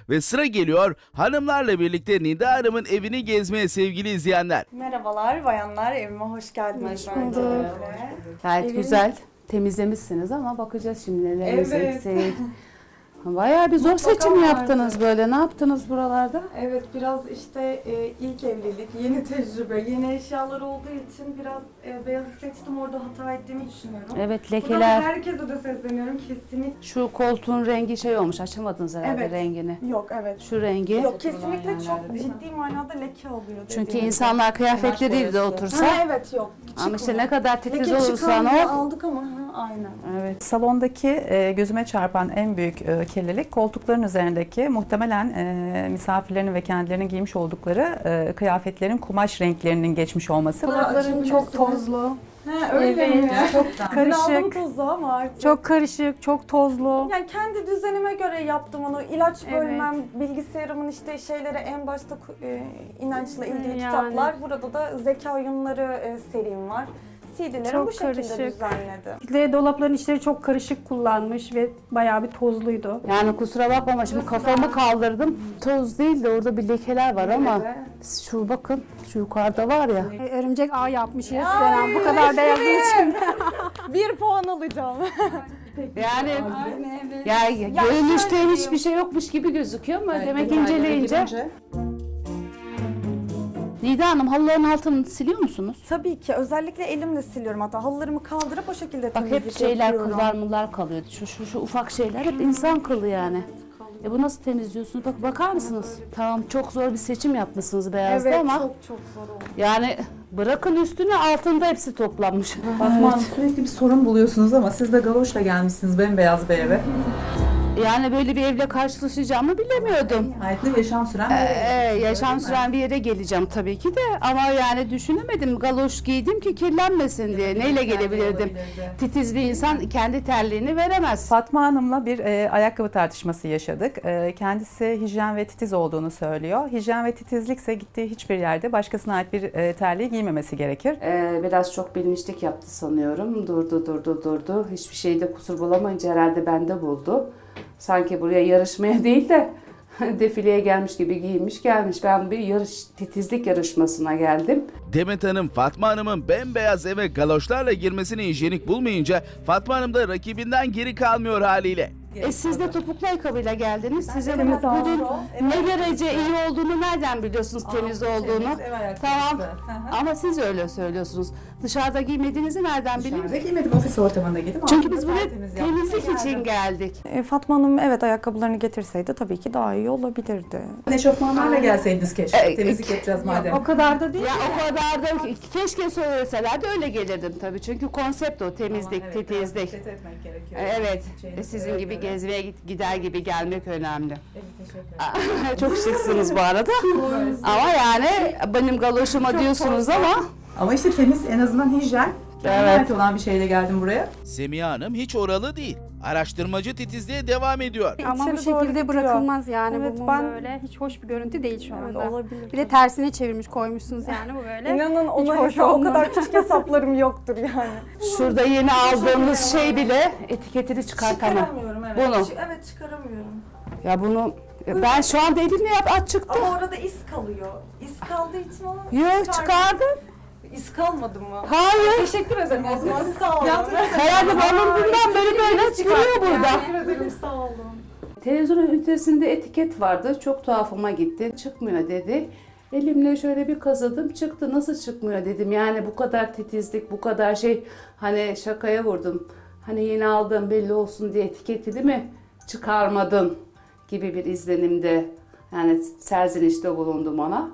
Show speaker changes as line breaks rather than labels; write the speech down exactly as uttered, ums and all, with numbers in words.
ve sıra geliyor hanımlarla birlikte Nida Hanım'ın evini gezmeye sevgili izleyenler.
Merhabalar bayanlar, evime hoş geldiniz.
Hoş
öncelikle.
bulduk. Gayet
Evin-
güzel temizlemişsiniz ama bakacağız şimdi nelerimiz
Evet.
eksik. Bayağı bir zor
Mutlaka
seçim
vardı.
yaptınız böyle. Ne yaptınız buralarda?
Evet, biraz işte e, ilk evlilik, yeni tecrübe, yeni eşyalar olduğu için biraz e, beyazı seçtim. Orada hata ettiğimi düşünüyorum.
Evet,
Buradan
lekeler.
herkese de sesleniyorum kesinlikle.
Şu koltuğun rengi şey olmuş. Açamadınız herhalde
Evet.
rengini.
Yok, evet.
Şu rengi.
Yok, kesinlikle çok ciddi manada leke oluyor.
Çünkü
dediğim
insanlar kıyafetleriyle de
gibi.
otursa.
Ha, evet yok.
Ama işte
çıkmıyor.
ne kadar titiz
Leke
olursan
çıkarmıyor,
ol.
aldık ama ha, aynen.
Evet.
Salondaki e, gözüme çarpan en büyük e, kirlilik koltukların üzerindeki muhtemelen e, misafirlerin ve kendilerinin giymiş oldukları e, kıyafetlerin kumaş renklerinin geçmiş olması.
Kulakların çok tozlu. Ha, öyle
Evet,
mi?
çok
Ben aldım
karışık.
tozu ama artık.
Çok karışık, çok tozlu.
Yani kendi düzenime göre yaptım onu. İlaç
Evet.
bölmem, bilgisayarımın işte şeylere en başta e, inançla ilgili
Yani.
kitaplar. Burada da zeka oyunları e, serim var. C D'leri
Çok
bu şekilde
karışık.
düzenledim.
Bir de dolapların içleri çok karışık kullanmış ve bayağı bir tozluydu.
Yani kusura bakma şimdi kafamı kaldırdım. Toz değil de orada bir lekeler var ama
Evet.
şu bakın şu yukarıda var ya.
E, Örümcek ağ yapmışız
Ay,
Seren bu kadar beyazın için.
Bir puan alacağım.
Yani
evet.
ya,
Ya
görünüşte
şöyle
hiçbir şey yokmuş gibi gözüküyor ama demek inceleyince. Nida Hanım halıların altını siliyor musunuz?
Tabii ki. Özellikle elimle siliyorum hatta. Halılarımı kaldırıp o şekilde
Bak
temizlik
hep şeyler
yapıyorum.
kıllar mıllar kalıyor. Şu, şu, şu ufak şeyler hep insan kılı yani. E bu nasıl temizliyorsunuz? Bak bakar mısınız? Tamam çok zor bir seçim yapmışsınız beyazda
Evet,
ama
çok çok zor oldu.
yani bırakın üstüne altında hepsi toplanmış.
Fatma Hanım sürekli bir sorun buluyorsunuz ama siz de galoşla gelmişsiniz bembeyaz bir eve.
Yani böyle bir evle karşılaşacağımı bilemiyordum.
Hayatlı yaşam süren
Ee, yaşam süren bir yere geleceğim tabii ki de ama yani düşünemedim galoş giydim ki kirlenmesin diye. Neyle gelebilirdim? Titiz bir insan kendi terliğini veremez.
Fatma Hanım'la bir e, ayakkabı tartışması yaşadık. E, kendisi hijyen ve titiz olduğunu söylüyor. Hijyen ve titizlikse gittiği hiçbir yerde başkasına ait bir e, terliği giymemesi gerekir.
Ee, biraz çok bilmişlik yaptı sanıyorum. Durdu durdu durdu. Hiçbir şeyde kusur bulamayınca herhalde bende buldu. Sanki buraya yarışmaya değil de defileye gelmiş gibi giyinmiş gelmiş. Ben bir yarış titizlik yarışmasına geldim.
Demet Hanım Fatma Hanım'ın bembeyaz eve galoşlarla girmesini hijyenik bulmayınca Fatma Hanım da rakibinden geri kalmıyor haliyle.
E siz de topuklu ayakkabıyla geldiniz. Sizin
de
bunun
temiz
ne derece iyi olduğunu nereden biliyorsunuz temiz olduğunu? Tamam. Ama siz öyle söylüyorsunuz. Dışarıda giymediğinizi nereden
Dışarıda
bileyim?
giymedim, ofis ortamında giydim.
Çünkü
Altında
biz buraya
tertemiz yaptım.
temizlik için geldik.
E, Fatma Hanım evet ayakkabılarını getirseydi tabii ki daha iyi olabilirdi.
Eşofmanlarla gelseydiniz keşke.
E,
Temizlik yapacağız madem.
O kadar da değil.
Ya o kadar da keşke söyleselerdi öyle gelirdim tabii. Çünkü konsept o temizlik,
Evet, biraz
titizlik.
dikkat etmek gerekiyor.
Evet.
Şeyini
E, Sizin
göre
gibi
göre.
gezmeye git- gider gibi gelmek önemli.
Evet, teşekkür ederim.
Çok şıksınız bu arada. Ama yani benim galoşuma diyorsunuz ama
Ama işte temiz, en azından hijyen.
Evet.
Evet. olan bir şeyle geldim buraya.
Semiha Hanım hiç oralı değil. Araştırmacı titizliğe devam ediyor.
Ama bu
İçeri doğru
şekilde
gidiyor.
bırakılmaz yani
Evet,
bu mum
ben-
böyle. Hiç hoş bir görüntü değil şu
Evet,
anda.
olabilir.
Bir de tersine çevirmiş koymuşsunuz yani bu böyle.
İnanın ona
hoş
hesa- o
olmaz.
kadar küçük hesaplarım yoktur yani.
şurada yeni aldığımız şey bile etiketini çıkartamam.
Çıkaramıyorum evet.
Bunu.
Çı- Evet çıkaramıyorum.
Ya bunu ben şu anda elimle yap aç çıktı.
Ama orada iz kalıyor. İz kaldığı için onu
Yok çıkardım.
İz kalmadı mı?
Hayır.
Teşekkür ederim o zaman sağ olun.
Herhalde balonundan böyle böyle çıkıyor burada.
Teşekkür ederim sağ olun.
Televizyonun ünitesinde etiket vardı. Çok tuhafıma gitti. Çıkmıyor dedi. Elimle şöyle bir kazıdım. Çıktı. Nasıl çıkmıyor dedim. Yani bu kadar titizlik, bu kadar şey. Hani şakaya vurdum. Hani yeni aldığım belli olsun diye etiketini mi çıkarmadın gibi bir izlenimde. Yani serzenişte bulundum ona.